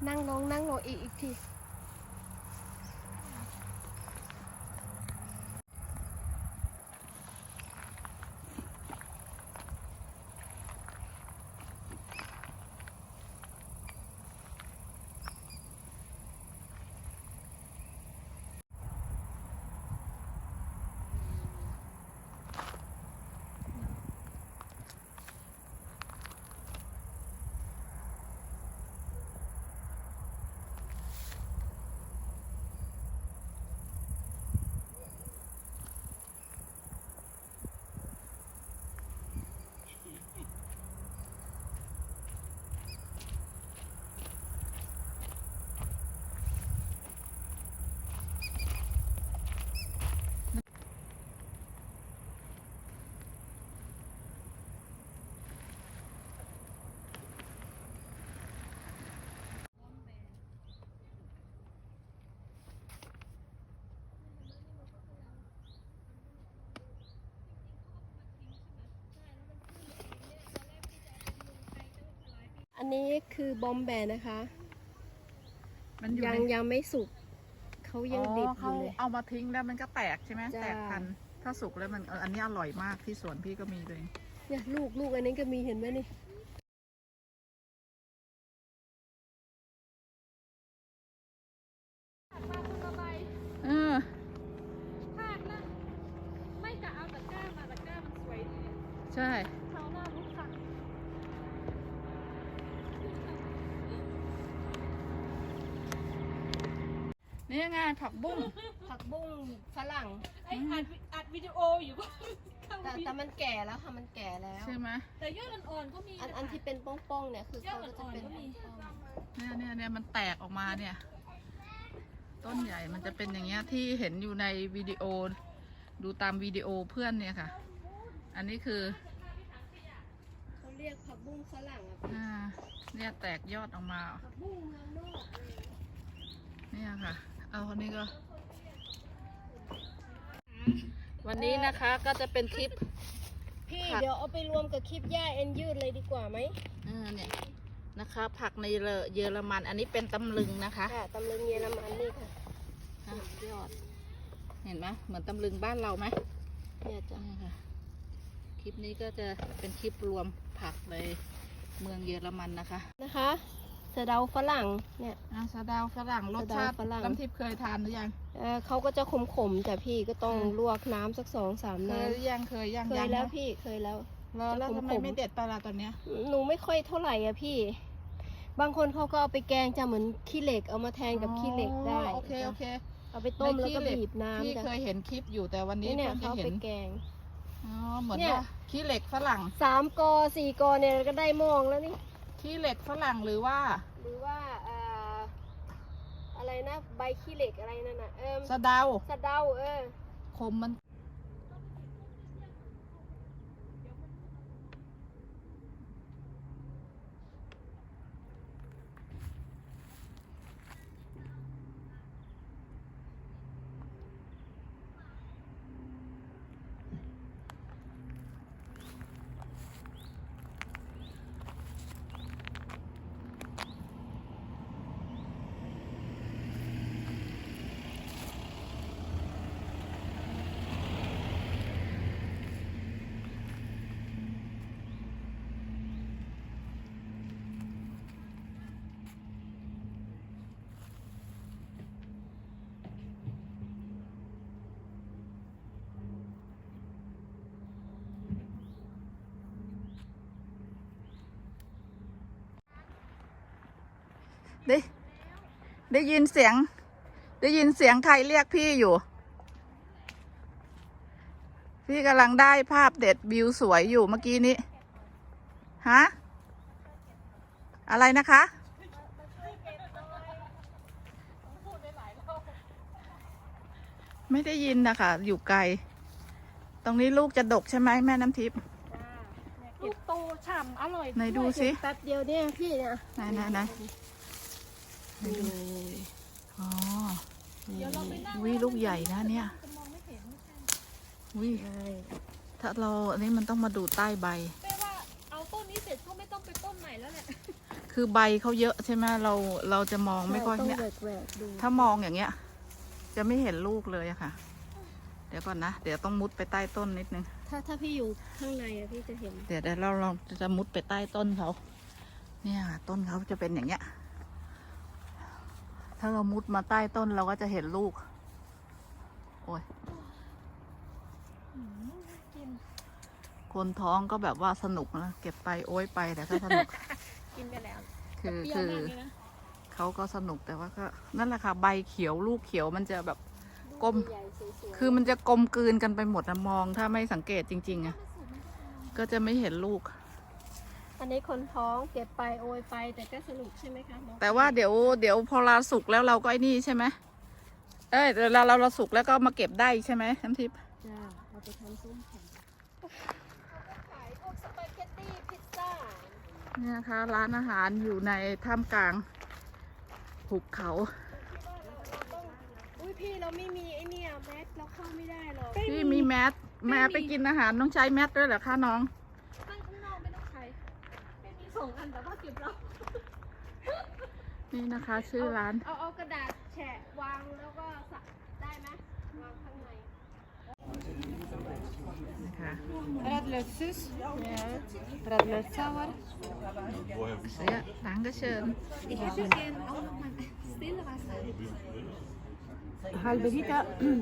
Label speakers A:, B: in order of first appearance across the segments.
A: นั่งลงอีกทีอันนี้คือบอมแบร์นะคะ
B: มันอยู่
A: ยังไม่สุกเขายังดิบอยู่เลย
B: เอามาทิ้งแล้วมันก็แตกใช่ไหม
A: จ้า
B: แตกพันธุ์ถ้าสุกแล้วมันอันนี้อร่อยมากที่สวนพี่ก็มีเลย
A: เนี่ยลูกอันนี้ก็มีเห็นไหมนี่
B: เออ
C: พลาดนะไม่กะเอาตะกร้ามาตะกร้ามันสวยดี
B: ใช่
C: คราวหน้ารู้ค่ะ
B: นี่ไงผักบุ้ง
A: ผักบุ้งฝรั่ง
C: ไออัดวิดีโออยู่ก็เข้า
A: แต่มันแก่แล้วค่ะมันแก่แล้ว
B: ใช่ไหม
C: แต่ยอดอ่อนๆก็มี
A: อันที่เป็นป้องๆเนี่ยคือเขาก็จะเป็นป้อง
B: เนี่ยมันแตกออกมาเนี่ย ต้นใหญ่มันจะเป็นอย่างเงี้ยที่เห็นอยู่ในวิดีโอ ดูตามวิดีโอเพื่อนเนี่ยค่ะ อันนี้คือ
A: ๆเขาเรียกผักบุ้งฝรั่งอะ
B: เนี่ยแตกยอดออกมา
A: ผักบุ้งเมืองนอกเลย
B: เนี่ยค่ะ เอาคนนี้ก็ วันนี้นะคะก็จะเป็นคลิป
A: พี่
B: ผัก
A: เดี๋ยวเอาไปรวมกับคลิปย่าเอ็นยืดเลยดีกว่าไหม
B: เนี่ยนะคะผักในเยอรมันอันนี้เป็นตำลึงนะคะ
A: ค่ะตำลึงเยอรมันนี่ค่ะ
B: ยอด เห็นไหมเหมือนตำลึงบ้านเราไหม
A: เนี่ยจ้ะ
B: นี่ค่ะคลิปนี้ก็จะเป็นคลิปรวมผักในเมืองเยอรมันนะคะ
A: นะคะสะเดาฝรั่งเนี่ย
B: สะเดาวฝรั่งรสชาติ
A: สะเดาฝรั่ง
B: น้ำทิพย์เคยทานหรือยัง
A: เขาก็จะขมๆแต่พี่ก็ต้องลวกน้ำสัก2-3
B: เค
A: น้
B: ยหรือยังเคยยัง
A: ำเคย
B: ยัง
A: แล้ว
B: นะ
A: พี่เคยแล้ว
B: แล้วทำไม
A: ขมๆ
B: ไม่เด็ดปลาตอนเนี้ย
A: หนูไม่ค่อยเท่าไหร่อะพี่ บางคนเขาก็เอาไปแกงจะเหมือนขี้เหล็กเอามาแทนกับขี้เหล็กได้
B: โอเคโอเค
A: เอาไปต้มแล้วก็
B: ในขี้เหล็ก
A: บีบน้ำ
B: พี่
A: จ้ะ
B: เคยเห็นคลิปอยู่แต่วันนี้
A: นี่เนี่ย
B: เพิ่ง
A: เขา
B: จะ
A: เอา
B: เห็
A: ไป
B: น
A: แกง
B: เหมือน
A: เนี่ย
B: ว่าขี้เหล็กฝรั่ง
A: 3 กอ 4 กอเนี่ยก็ได้หมองแล้วนี่
B: ขี้เหล็กฝรั่งหรือว่า
A: หรือว่าอะไรนะใบขี้เหล็กอะไรนั่นน่ะ
B: สะเดา
A: สะเดา
B: คมมันได้ยินเสียง ได้ยินเสียงใครเรียกพี่อยู่ พี่กำลังได้ภาพเด็ดวิวสวยอยู่เมื่อกี้นี้ ฮะ อะไรนะคะ ไม่ได้ยินนะคะอยู่ไกล ตรงนี้ลูกจะดกใช่ไหมแม่น้ำทิพย์
C: ลูกโตฉ่ำอร่อย
B: ไหนดูสิ
A: แป๊บเดียวเนี่ยพี่เนี่ย
B: ไหนอ๋อ
C: เดี๋ยวเราไปนั่ง
B: วิลูกใหญ่นะเนี่ย
C: จะมองไม่เห็น
B: วิ ถ้าเราอันนี้มันต้องมาดูใต้ใบ
C: แปลว่าเอาต้นนี้เสร็จก็ไม่ต้องไปต้นใหม่แล้วแหละ
B: คืคือใบเขาเยอะใช่ไหมเราจะมองไม่ค่อย
A: ต้อง
B: เนี่ย
A: แหวกๆดู
B: ถ้ามองอย่างเงี้ย จะไม่เห็นลูกเลยอะค่ะ เดี๋ยวก่อนนะ เดี๋ยวต้องมุดไปใต้ต้นนิดนึง
A: ถ้าพี่อยู่ข้างในอะพี่จะเห็น
B: เดี๋ยวเราลองจะมุดไปใต้ต้นเขา เนี่ยต้นเขาจะเป็นอย่างเงี้ย ถ้าเรามุดมาใต้ต้นเราก็จะเห็นลูก โอ้ย คนท้องก็แบบว่าสนุกนะเก็บไปโอ้ยไปแต่ก็สนุก
A: กินไปแล้ว
B: คือ
C: เปรี้ยวมากเลยนะ
B: เขาก็สนุกแต่ว่าก็นั่นแหละค่ะใบเขียวลูกเขียวมันจะแบบกลม
A: ใหญ่ๆสวยๆ
B: คือมันจะกลมกลืนกันไปหมดนะมองถ้าไม่สังเกตจริงๆอะก็จะไม่เห็นลูก
A: อันนี้คนท้องเก็บไปโอยไปแต่ก็สนุกใช่ไหมคะน้อง
B: แต่ว่าเดี๋ยวพอเราสุกแล้วเราก็ไอ้นี่ใช่ไหมเอ้ยเราสุกแล้วก็มาเก็บได้ใช่ไหมน้ำทิพย์
A: จ้าเอาไปทำส้มแข็งขายพวกสปาเกตตี้พิซซ่า
B: เนี่ยนะคะร้านอาหารอยู่ในท่ามกลางหุบเขา
A: อุ้ยพี่เราไม่มีไอเนี่ยแมสเราเข้าไม่ได้หรอก
B: พี่มีแมสไปกินอาหารต้องใช้แมสด้วยเหรอคะน้อง
C: ตั้งข้างนอกไม่ต้องใช้ไม่มีส่งอันแต่ว่าเก็บเรา
B: นี่นะคะ ชื่อร้าน
A: เอากระดาษแฉะวางแล้วก็สักได้ไหมวางข้างใน
B: นะคะ
C: Radler sus
A: Ja.
C: Radler sauer
B: Ja, danke schön.
C: Ich hätte gerne auch noch mal Stillwasser
A: Halbe Liter.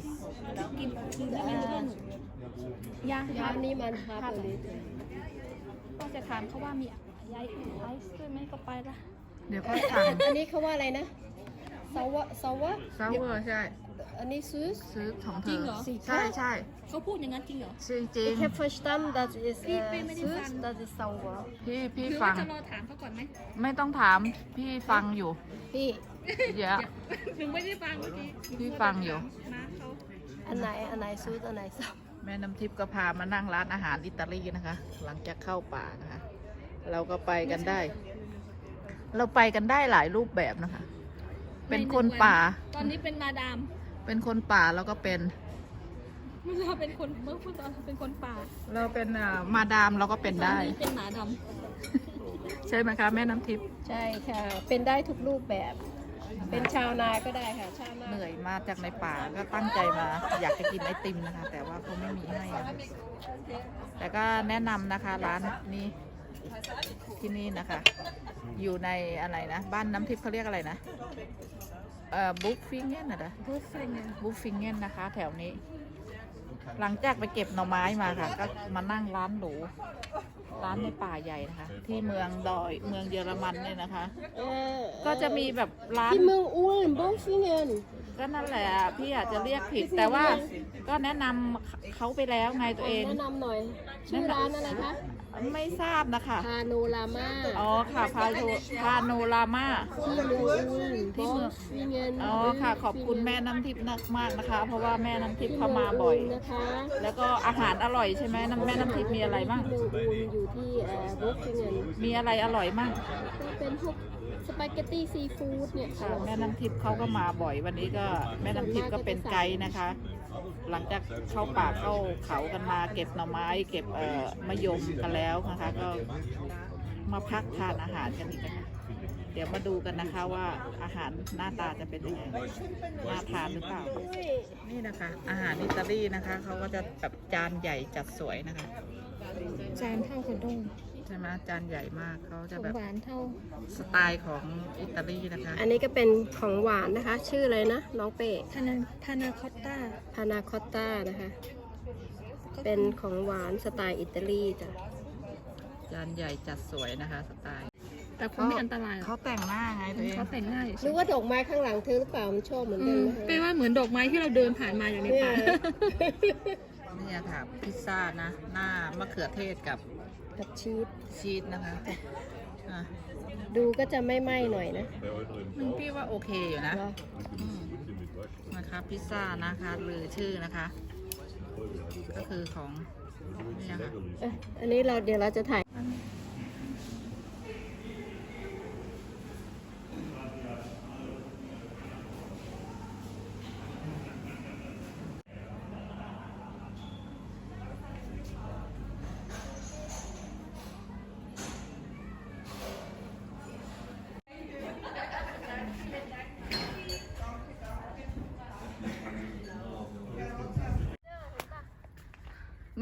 C: Ja,
A: ยานี่มันฮาร์บลิต
C: ก็จะถามเขาว่ามีไอซ์ด้วยไหมก็ไปละ
B: เดี๋ยวก็สั่ง
A: อันนี้เขาว่าอะไรนะซาวะ
B: ซาวเวอร์ใช่
A: อันนี้ซูส
B: ซื้อของเธ
C: จริ
B: อง
C: เหรอ
B: ใช่ใช่
C: เขาพูดอย่างนั้นจริงเหรอ
B: จริงจริง
A: Ich habe verstanden, das ist
C: พี่ไม่ได้ฟัง
A: süß, das ist sauer.
B: พี่
C: คือ
B: ฟั
C: ว่าง จะรอถามเขาก่อนไหม
B: ไม่ต้องถามพี่ฟังอยู่
A: พี่
B: เยอะ
C: ถึงไม่ได้ฟังเมื่อกี้
B: พี่ฟังอยู่
C: นะเขา
A: อันไหนซูสอันไหนซาว
B: แม่น้ำทิพย์ก็พามานั่งร้านอาหารอิตาลีนะคะ หลังจากเข้าป่านะคะ เราก็ไปกันได้ เราไปกันได้หลายรูปแบบนะคะ เป็นคนป่า
C: ตอนนี้เป็นมาดาม
B: เป็นคนป่าแล้วก็เป็น
C: เราเป็นคนเมื่อพูดตอนเป็นคนป่า
B: เราเป็นมาดามเราก็เป็น
C: ตอน
B: ได้
C: นี้เป็นหมาด
B: ใช่ไหมคะแม่น้ำทิพย์
A: ใช่ค่ะ เป็นได้ทุกรูปแบบ เป็นชาวนาก็ได้ค่ะ ชาวนา
B: เหนื่อยมาจากในป่าก็ตั้งใจมา อยากจะกินไอติมนะคะ แต่ว่าเขาไม่มีให้อะแต่ก็แนะนำนะคะร้านนี้ที่นี่นะคะ อยู่ในอะไรนะ บ้านน้ำทิพย์เขาเรียกอะไรนะบุ๊กฟิงเง่นนะ
C: ำพูดเองไง
B: บุ๊กฟิงเง่นนะคะ แถวนี้ หลังจากไปเก็บหน่อไม้มาค่ะ ก็มานั่งร้านหรูร้านในป่าใหญ่นะคะ ที่เมืองเยอรมันเนี่ยนะคะ ก็จะมีแบบร้าน
A: ที่เมืองอุลบงฟิเงน
B: ก็นั่นแหละพี่อาจจะเรียกผิด แต่ว่าก็แนะนำเขาไปแล้วไงตัวเอง
A: แนะนำหน่อย ชื่อร้านอะไรคะ
B: ไม่ทราบนะคะ
A: พาโนรามา
B: อ๋อค่ะพาโนรามา
A: ที่เมืองอุล
B: ที่
A: บ
B: เมื
A: ง
B: อง
A: ฟิเงน
B: อ๋อค่ะขอบคุณแม่น้ำทิพย์มากนะคะ เพราะว่าแม่น้ำทิพย์เขามาบ่อย
A: ที่เมืงนะคะ
B: แล้วก็อาหารอร่อยใช่ไหมแม่น้ำทิพย์มีอะไรบ้าง
A: เมืองอุลอยู่ที่บงฟิเงน
B: มีอะไรอร่อยมั่ง
A: ก็เป็นพวกสปาเกตตี้ซีฟู้ดเนี่ย
B: ค่ะแม่น้ำทิพย์เขาก็มาบ่อยวันนี้ก็แม่น้ำทิพย์ก็เป็นไกด์นะคะ หลังจากเข้าป่าเข้าเขากันมาเก็บหน่อไม้ เก็บมะยมกันแล้วนะคะ ก็มาพักทานอาหารกันอีกนะคะเดี๋ยวมาดูกันนะคะว่าอาหารหน้าตาจะเป็นยังไงน่าทานหรือเปล่า นี่นะคะ อาหารอิตาลีนะคะเขาก็จะแบบจานใหญ่จัดสวยนะคะ
C: จานเท่าขนม
B: ใช่ไหมจานใหญ่มากเขาจะ
C: ของ
B: แบบ
C: หวานเท่า
B: สไตล์ของอิตาลีนะคะ
A: อันนี้ก็เป็นของหวานนะคะ ชื่ออะไรนะ น้องเป้
C: พานาคอตต้า
A: พานาคอตต้านะคะ เป็นของหวานสไตล์อิตาลีจ้ะ
B: จานใหญ่จัดสวยนะคะสไตล์
C: แต่คงไม่อันตรายหรอก
B: เขาแต่งหน้าไงตัวเอง
C: เขาแต่งง่าย
A: หรือว่าดอกไม้ข้างหลังเธอหรือเปล่า มันชอบเหมือนกันนะคะ
C: แปลว่าเหมือนดอกไม้ที่เราเดินผ่านมาอยู่ใน
A: เนี่ย
C: ป่า
B: นี่ค่ะพิซซ่านะ หน้ามะเขือเทศกับ
A: กับชีส
B: ชีสนะคะอ่ะ
A: ดูก็จะไม่ไหม้หน่อยนะ
B: พี่ว่าโอเคอยู่นะ
A: เหรอ
B: อืมนะคะพิซซ่านะคะหรือชื่อนะคะ ก็คือของนี่นะคะ
A: อันนี้เดี๋ยวเราจะถ่าย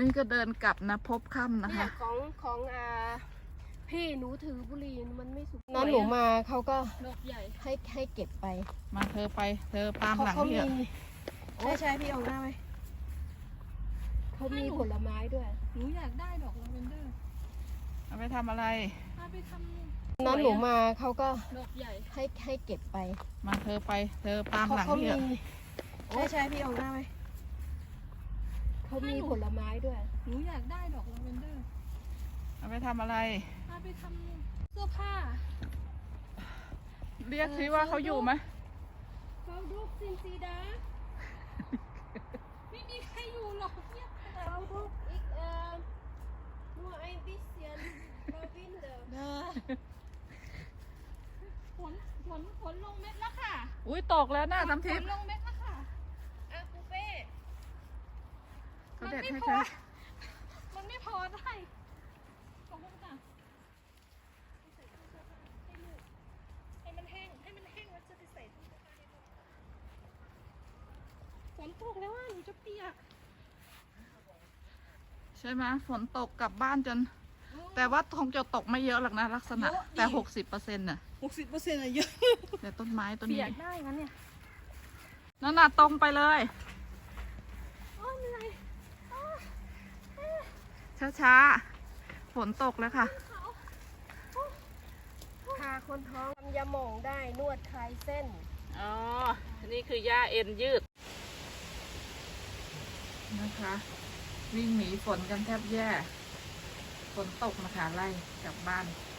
B: นี่ก็เดินกลับนะพบค่ำนะ
A: เนี่ย
B: คะ
A: ของพี่หนูถือบุหรี่มันไม่สุกนั้นหนูมาเขาก็
C: ดอกใหญ่
A: ให้เก็บไป
B: มาเธอไปเธอตามหลัง
A: เขา
B: พี่
A: มี
B: อะ
A: ใช่พี่เอาหน้าไหมเขามีผลไม้ด้วย
C: หนูอยากได้ดอกลาเวนเดอร์
B: เอาไปทำอะไร
C: เอาไปท
A: นั้นหนูมาเขาก็
C: ำดอกใหญ่
A: ให้เก็บไป
B: มาเธอไปเธอตามหลัง
A: เขา
B: พี่
A: มี
B: อะ
A: ใช่พี่เอาหน้าไหมเขามีผลไม้ด้วย
C: หนูอยากได้ดอกลาเวนเดอร์
B: เอาไปทำอะไร
C: เอาไปทำเสื้อผ้า
B: เรียกสิว่าเขาอยู่ไหม
C: เราดูซินซีดา ไม่มีใครอยู่หรอกเนี่ย
A: เขาดูอีกnur ein bisschen Lavendel
C: ฝนลงเม็ดแล้วค่ะ
B: อุ้ยตกแล้วนะน้ำทิ
C: ฝ
B: พ
C: น
B: ย์
C: ลงเม็ดแล้วค่ะ
A: อ่ะปูเป้
B: เขาเด็ดให้
C: มันไม่
B: เธ
C: พอ
B: อ
C: มันไม่พอได้ขอบคุณค่ะให้มันแห้งแล้วจะไปใส่ตู้เสื้อผ้าให้ลูกฝนตกแล้วว่าหนูจะเปียก
B: ใช่ไหมฝนตกกลับบ้านจน แต่ว่าคงจะตกไม่เยอะหรอกนะลักษณะ แต่60%น่ะ
C: 60%อะเยอะ
B: แต่ต้นไม้ต้น
C: เปี
B: นี้
C: ยกได้งั้นเนี่ย
B: นั่นน่ะตรงไปเลย
C: โอ้ยเหนื่อย
B: ช้าๆฝนตกแล้วค่ะ
A: พาคนท้องทำยาหม่องได้นวดคลายเส้น
B: อ๋อ นี่คือย่าเอ็นยืดนะคะ วิ่งหนีฝนกันแทบแย่ ฝนตกมาค่ะไล่กลับบ้าน